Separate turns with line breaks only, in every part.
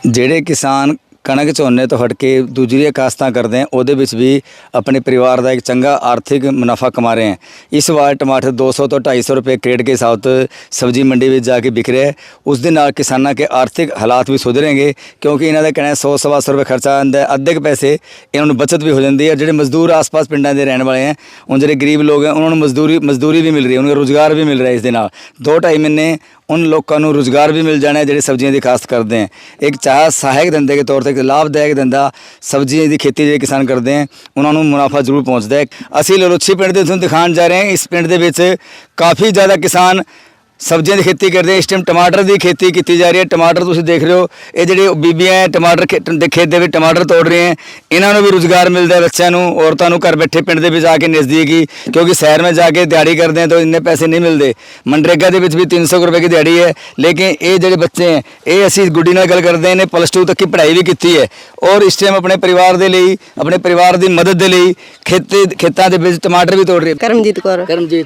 ਜਿਹੜੇ ਕਿਸਾਨ ਕਣਕ ਝੋਨੇ ਤੋਂ ਹਟ ਕੇ ਦੂਜੀਆਂ ਕਾਸ਼ਤਾਂ ਕਰਦੇ हैं ਉਹਦੇ ਵਿੱਚ ਵੀ ਆਪਣੇ ਪਰਿਵਾਰ ਦਾ ਇੱਕ ਚੰਗਾ ਆਰਥਿਕ ਮੁਨਾਫਾ ਕਮਾ ਰਹੇ हैं। इस ਵਾਰ ਟਮਾਟਰ 200 ਤੋਂ 250 ਰੁਪਏ ਕ੍ਰੇਟ के ਹਿਸਾਬ ਤੋਂ ਸਬਜ਼ੀ ਮੰਡੀ ਵਿੱਚ ਜਾ ਕੇ ਵਿਕ ਰਿਹਾ ਹੈ। ਉਸ ਦੇ ਨਾਲ ਕਿਸਾਨਾਂ ਕੇ ਆਰਥਿਕ ਹਾਲਾਤ ਵੀ ਸੁਧਰੇਂਗੇ ਕਿਉਂਕਿ ਇਹਨਾਂ ਦਾ ਕਹਿਣਾ 100-125 ਰੁਪਏ ਖਰਚਾ ਆਉਂਦਾ ਹੈ, ਅੱਧੇ ਕੁ ਪੈਸੇ ਇਹਨਾਂ ਨੂੰ ਬਚਤ ਵੀ ਹੋ ਜਾਂਦੀ ਹੈ। ਜਿਹੜੇ ਮਜ਼ਦੂਰ ਆਸ-ਪਾਸ ਪਿੰਡਾਂ ਦੇ ਰਹਿਣ ਵਾਲੇ हैं ਉਹ ਜਿਹੜੇ ਗਰੀਬ ਲੋਕ हैं ਉਹਨਾਂ ਨੂੰ ਮਜ਼ਦੂਰੀ ਵੀ ਮਿਲ ਰਹੀ है, ਉਹਨਾਂ ਨੂੰ ਰੁਜ਼ਗਾਰ ਵੀ ਮਿਲ ਰਿਹਾ ਇਸ ਦੇ ਨਾਲ 2-2.5 ਮਹੀਨੇ उन लोगों को रोज़गार भी मिल जाना है जो सब्जियां की काश्त करते हैं। एक चाह सहायक धंधे के तौर पर एक लाभदायक धंधा सब्जियां की खेती जो किसान करते हैं उन्होंने मुनाफा जरूर पहुँचता है। असी ललोची पिंड के दिखाने जा रहे हैं। इस पिंड के काफ़ी ज़्यादा किसान सब्जियां की खेती करते हैं। इस टाइम टमाटर की खेती की जा रही है। टमाटर तुम देख रहे हो, ये जो बीबियाँ हैं टमाटर खेत के टमाटर तोड़ रहे हैं, इन्होंने भी रोज़गार मिलता है बच्चों को, औरतों को घर बैठे पिंड के आके नज़दीक ही, क्योंकि शहर में जाके दिहाड़ी करते हैं तो इन्ने पैसे नहीं मिलते। मनरेगा के भी 300 रुपए की दिहाड़ी है, लेकिन ये जो बच्चे हैं ये असी गुड्डी नाल गल करते हैं, +2 तक की पढ़ाई भी की है और इस टाइम अपने परिवार के लिए अपने परिवार की मदद के लिए खेतों के टमाटर भी तोड़ रहे हैं।
करमजीत कौर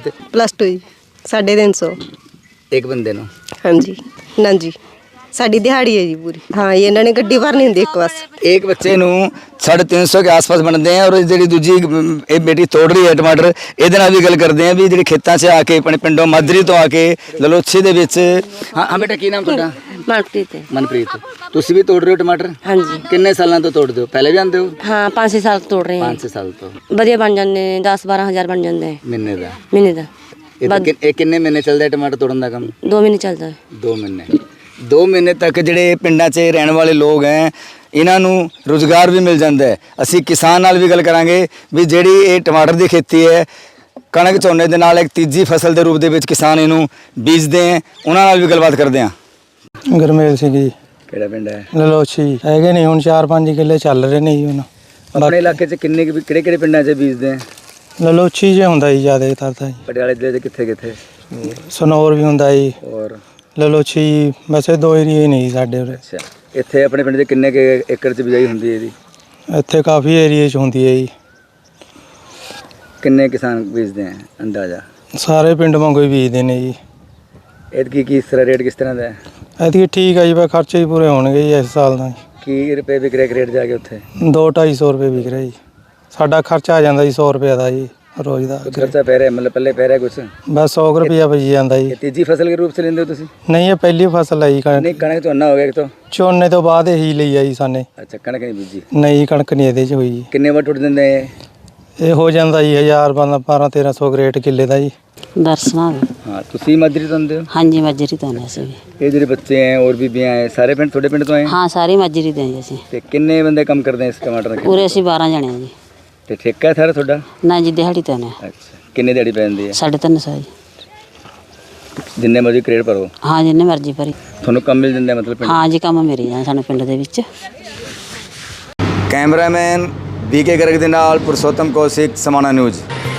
+2 350
एक बंदे नो।
हाँ जी ना जी साड़ी दिहाड़ी है जी पूरी। हाँ ये इन्होंने गड्डी भरनी होंगी एक बस।
एक बच्चे नू 350 के आस-पास बनते हैं और जी दूजी ये बेटी तोड़ रही है टमाटर, ये भी गल करते हैं भी जी खेतों से आके अपने पिंडों माजरी तो आके ललोची दे विच। हाँ बेटा की नाम तुहाडा?
मनप्रीत।
मनप्रीत तुसी भी तोड़ रहे हो टमाटर?
हाँ जी।
किन्ने सालों तो तोड़ते हो? पहले भी आंदे हो?
हाँ 5-6 साल तोड़ रहे हैं।
5-6 साल तो
वधिया बन जाते 10-12 हज़ार बन जाते हैं
महीने का। किन्ने महीने चलता है टमाटर तोड़न का काम?
2 महीने चलता है।
2 महीने तक ਜਿਹੜੇ ਪਿੰਡਾਂ 'ਚ ਰਹਿਣ ਵਾਲੇ ਲੋਕ ਹੈ ਇਹਨਾਂ ਨੂੰ ਰੁਜ਼ਗਾਰ ਵੀ ਮਿਲ ਜਾਂਦਾ ਹੈ। ਅਸੀਂ ਕਿਸਾਨ ਨਾਲ ਵੀ ਗੱਲ ਕਰਾਂਗੇ ਵੀ ਜਿਹੜੀ ਇਹ ਟਮਾਟਰ ਦੀ ਖੇਤੀ ਹੈ ਕਣਕ ਝੋਨੇ ਦੇ ਨਾਲ ਇੱਕ ਤੀਜੀ ਫਸਲ ਦੇ ਰੂਪ ਦੇ ਵਿੱਚ ਕਿਸਾਨ ਇਹਨੂੰ ਬੀਜਦੇ ਹੈ, ਉਹਨਾਂ ਨਾਲ ਵੀ ਗੱਲਬਾਤ ਕਰਦੇ ਹਾਂ।
ਗੁਰਮੇਲ ਸਿੰਘ ਜੀ।
ਕਿਹੜਾ ਪਿੰਡ ਹੈ?
ਲਲੋਚੀ ਹੈਗੇ ਨਹੀਂ ਹੁਣ 4-5 ਕਿੱਲੇ ਚੱਲ ਰਹੇ ਨੇ ਜੀ ਹੁਣ।
ਆਪਣੇ ਇਲਾਕੇ 'ਚ ਕਿਹੜੇ ਪਿੰਡਾਂ 'ਚ ਬੀਜਦੇ ਹੈ?
ਲਲੋਚੀ ਜੇ ਹੁੰਦਾ ਜੀ ਜ਼ਿਆਦਾਤਰ ਤਾਂ ਜੀ।
ਪਟਿਆਲੇ ਜ਼ਿਲ੍ਹੇ 'ਚ ਕਿੱਥੇ
ਸਨੌਰ ਵੀ ਹੁੰਦਾ ਜੀ
ਔਰ
ਲਲੋਚੀ, ਵੈਸੇ 2 ਏਰੀਏ ਨਹੀਂ ਸਾਡੇ ਉਰੇ।
ਅੱਛਾ ਇੱਥੇ ਆਪਣੇ ਪਿੰਡ 'ਚ ਕਿੰਨੇ ਏਕੜ 'ਚ ਬਿਜਾਈ ਹੁੰਦੀ ਹੈ ਇਹਦੀ?
ਇੱਥੇ ਕਾਫੀ ਏਰੀਏ 'ਚ ਹੁੰਦੀ ਹੈ ਜੀ।
ਕਿੰਨੇ ਕਿਸਾਨ ਬੀਜਦੇ ਹੈ ਅੰਦਾਜ਼ਾ?
ਸਾਰੇ ਪਿੰਡ ਵਾਂਗੂ ਹੀ ਬੀਜਦੇ ਨੇ ਜੀ।
ਇਹਦੀ ਕੀ ਰੇਟ ਕਿਸ ਤਰ੍ਹਾਂ ਦਾ ਹੈ?
ਇਹਦੀ ਠੀਕ ਹੈ ਜੀ, ਬਸ ਖਰਚੇ ਹੀ ਪੂਰੇ ਹੋਣਗੇ ਜੀ ਇਸ ਸਾਲ ਦਾ।
ਕੀ ਰੁਪਏ ਵਿਕ ਰਿਹਾ ਰੇਟ ਜਾ ਕੇ ਉੱਥੇ?
200-250 ਰੁਪਏ ਵਿਕ ਰਿਹਾ ਜੀ। ਸਾਡਾ ਖਰਚਾ ਆ ਜਾਂਦਾ ਜੀ 100 ਰੁਪਏ ਦਾ ਜੀ ਰੋਜ਼ ਦਾ।
ਖਰਚਾ ਪੈ ਰਿਹਾ ਮਤਲਬ ਪੱਲੇ ਪੈ ਰਿਹਾ ਕੁਛ?
ਬਸ 100 ਰੁਪਇਆ ਬਚ ਜਾਂਦਾ ਜੀ।
ਤੀਜੀ ਫਸਲ ਦੇ ਰੂਪ 'ਚ ਲੈਂਦੇ ਹੋ ਤੁਸੀਂ?
ਨਹੀਂ ਇਹ ਪਹਿਲੀ ਫਸਲ ਹੈ ਜੀ।
ਨਹੀਂ ਕਣਕ ਝੋਨਾ ਹੋ ਗਿਆ ਇੱਕ ਤੋਂ?
ਝੋਨੇ ਤੋਂ ਬਾਅਦ ਹੀ ਲਈ ਆ ਜੀ ਸਾਨੇ।
ਅੱਛਾ ਕਣਕ ਨਹੀਂ ਬੀਜੀ?
ਨਹੀਂ ਕਣਕ ਨਹੀਂ ਇਹਦੇ 'ਚ ਹੋਈ ਜੀ।
ਕਿੰਨੇ ਵਾਰ ਟੁੱਟ ਦਿੰਦੇ
ਇਹ ਹੋ ਜਾਂਦਾ ਜੀ 1000-1200 ਗ੍ਰੇਟ ਕਿੱਲੇ ਦਾ ਜੀ।
दर्शना भी।
हाँ ਤੁਸੀਂ ਮਾਜਰੀ ਤੋਂ ਆਉਂਦੇ ਹੋ?
हाँ जी मजरी तो हैं असीं भी।
ਇਹ ਜਿਹੜੇ ਬੱਚੇ हैं और बीबियां हैं सारे पिंड ਤੁਹਾਡੇ ਪਿੰਡ ਤੋਂ ਆਏ?
हाँ सारी मजरी दें असीं।
ਤੇ ਕਿੰਨੇ ਬੰਦੇ ਕੰਮ ਕਰਦੇ ਇਸ ਟਮਾਟਰ ਦੇ?
पूरे असीं 12 जने जी।
ਤੇ ਠੇਕਾ ਹੈ ਸਾਰਾ ਤੁਹਾਡਾ?
ना जी दिहाड़ी तो हैं।
ਅੱਛਾ ਕਿੰਨੇ ਦਿਹਾੜੀ ਪੈ ਜਾਂਦੀ ਹੈ?
350 जी।
ਜਿੰਨੇ ਮਰਜ਼ੀ ਕ੍ਰੇਡ ਭਰੋ?
हाँ जिन्ने मर्जी भरी।
ਤੁਹਾਨੂੰ ਕੰਮ ਮਿਲ ਜਾਂਦਾ ਮਤਲਬ ਪਿੰਡ?
हाँ जी काम मेरे जान सानू पिंड दे विच।
ਕੈਮਰਾਮੈਨ BK ਗਰਗ ਦੇ ਨਾਲ ਪੁਰਸ਼ੋਤਮ ਕੌਸ਼ਿਕ, ਸਮਾਣਾ ਨਿਊਜ਼।